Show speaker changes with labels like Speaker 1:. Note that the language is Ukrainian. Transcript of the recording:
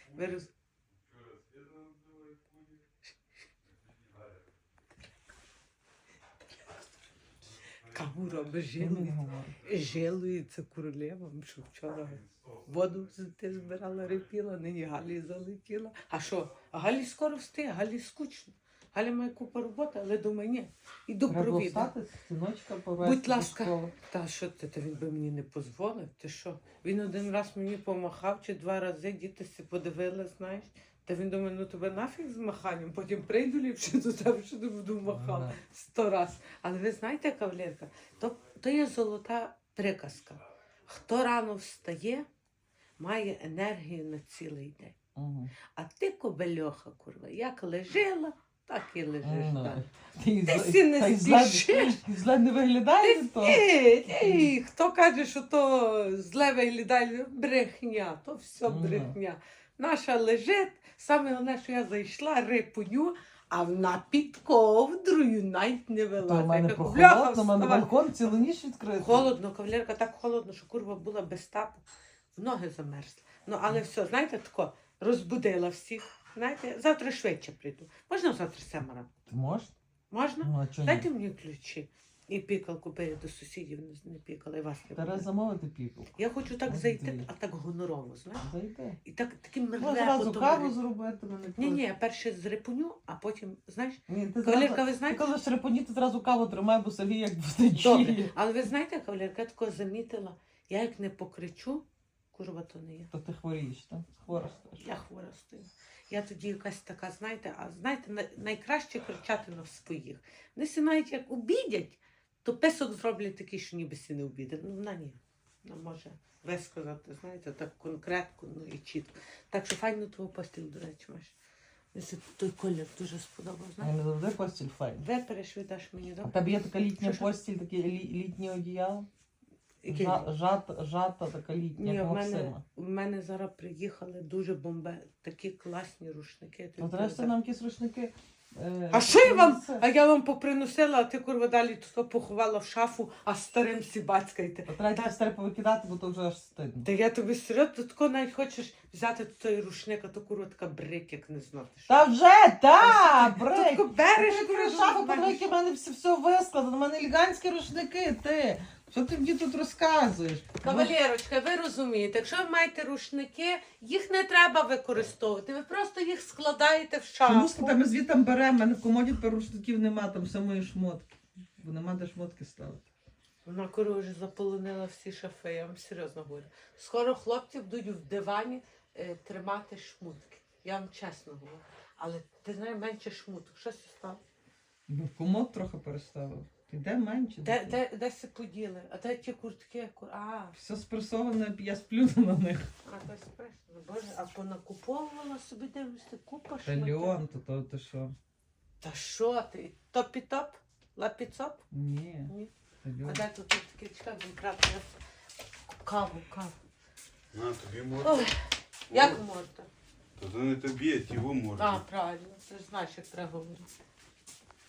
Speaker 1: Каву робить жалується королевам, що вчора воду ти збирала, репіла, нині Галі залетіла. А що? А Галі скоро встає, Галі скучно. Галя має купу роботи, але думаю, ні, іду провідати.
Speaker 2: Синочка повезти.
Speaker 1: Будь ласка. Та що ти, та він би мені не дозволив, ти що? Він один раз мені помахав, чи 2 рази, діти си подивили, знаєш. Та він думає, ну тебе нафіг з маханням, потім прийду ліпше до тебе, що не буду махав 100 раз. Але ви знаєте, кавалерка, то є золота приказка. Хто рано встає, має енергію на цілий день. А ти, кобельоха, курва, як лежила, так і лежиш далі. Ти сі не спішиш.
Speaker 2: Зле не виглядає то?
Speaker 1: Ні, хто каже, що то зле виглядає, брехня, то все брехня. Наша лежить, саме головне, що я зайшла, рипуню, а вона під ковдрою навіть не вилазить.
Speaker 2: То в мене прохолодно, в мене балкон цілу ніч відкритий.
Speaker 1: Холодно, кавалерка, так холодно, що курва була без тапу, в ноги замерзли. Ну, але все, знаєте, тако, розбудила всіх. Знаєте, завтра швидше прийду. Можна завтра 7 ранку?
Speaker 2: Можна?
Speaker 1: Можна?
Speaker 2: Ну, а чого ні?
Speaker 1: Дайте мені ключі. І пікалку, бо я до сусідів не пікала, і вас не
Speaker 2: Треба
Speaker 1: буде.
Speaker 2: замовити піку.
Speaker 1: Я хочу так зайти, а так гонорово, знаєш?
Speaker 2: Зайди.
Speaker 1: І так, таким
Speaker 2: Можна зразу каву зробити, мене
Speaker 1: Ні, я перше зрипуню, а потім, знаєш,
Speaker 2: Ні, ти
Speaker 1: кавалерка, ви
Speaker 2: Ти
Speaker 1: знаєте?
Speaker 2: коли шрепоні, ти зразу каву тримай, бо Сергій як буде
Speaker 1: Добре,
Speaker 2: чіє.
Speaker 1: але ви знаєте, кавалерка, я такого замітила, я як не покричу, курва, то не я.
Speaker 2: То ти хворієш, так? Хвора стаєш.
Speaker 1: Я хвора стою. Я тоді якась така, знаєте, а знаєте, найкраще кричати на своїх. Вони всі навіть як обідять, то писок зроблять такий, що ніби всі не обідять. Ну, вона ні. Вона може висказати, знаєте, так конкретно, ну і чітко. Так що файну твою постіль, до речі, маєш. Мені той колір дуже сподобав, знаєш.
Speaker 2: Не завжди постіль файна.
Speaker 1: Випереш, віддаш мені,
Speaker 2: А
Speaker 1: добре?
Speaker 2: в тебе є така літня
Speaker 1: Що?
Speaker 2: постіль, таке літнє одіяло?
Speaker 1: Який?
Speaker 2: Жата така літня,
Speaker 1: Ні,
Speaker 2: як
Speaker 1: в
Speaker 2: Максима.
Speaker 1: мене зараз приїхали дуже такі класні рушники.
Speaker 2: Ну, треба нам якісь рушники.
Speaker 1: А що я вам? А я вам поприносила, а ти, курва, далі тут поховала в шафу, а старим сібацькайте.
Speaker 2: Треба старе повикидати, бо то вже аж стидно.
Speaker 1: Та я тобі серйозно, ти тако навіть хочеш взяти той рушник, а то, курва, така брик, як не знати.
Speaker 2: Та вже, та,
Speaker 1: Ти
Speaker 2: брик!
Speaker 1: тако береш,
Speaker 2: Ти
Speaker 1: курва,
Speaker 2: шафу, подивись, які в мене все вискладено, в мене елегантські рушники, ти. Що ти мені тут розказуєш?
Speaker 1: Кавалерочка, ви розумієте, якщо ви маєте рушники, їх не треба використовувати, ви просто їх складаєте в шафу.
Speaker 2: Чому сказати, ми звідти беремо, в мене в комоді тепер рушників нема, там все мої шмотки. Бо нема де шмотки ставити.
Speaker 1: Вона, курва, вже заполонила всі шафи, я вам серйозно говорю. Скоро хлопці будуть в дивані тримати шмутки. Я вам чесно говорю. Але ти знаєш, менше шмуток. Що це стало?
Speaker 2: Ну, комод трохи переставив. Де менше?
Speaker 1: Де се поділи? А де ті куртки?
Speaker 2: Все спресоване, я сплю на них.
Speaker 1: То спресовано. Боже, а понакуповувала собі, дивишся, купа
Speaker 2: Та
Speaker 1: шматів.
Speaker 2: Леон, то ти що?
Speaker 1: Та що ти? Топі-топ? Лапі-цоп?
Speaker 2: Ні.
Speaker 1: Ні.
Speaker 2: Та
Speaker 1: А
Speaker 2: Леон.
Speaker 1: де тут таке, чекай, будемо брати каву.
Speaker 3: На, тобі можна.
Speaker 1: Ой, як можна?
Speaker 3: Та то не тобі, а ті во можна.
Speaker 1: Правильно, ти ж знаєш, як треба говорити.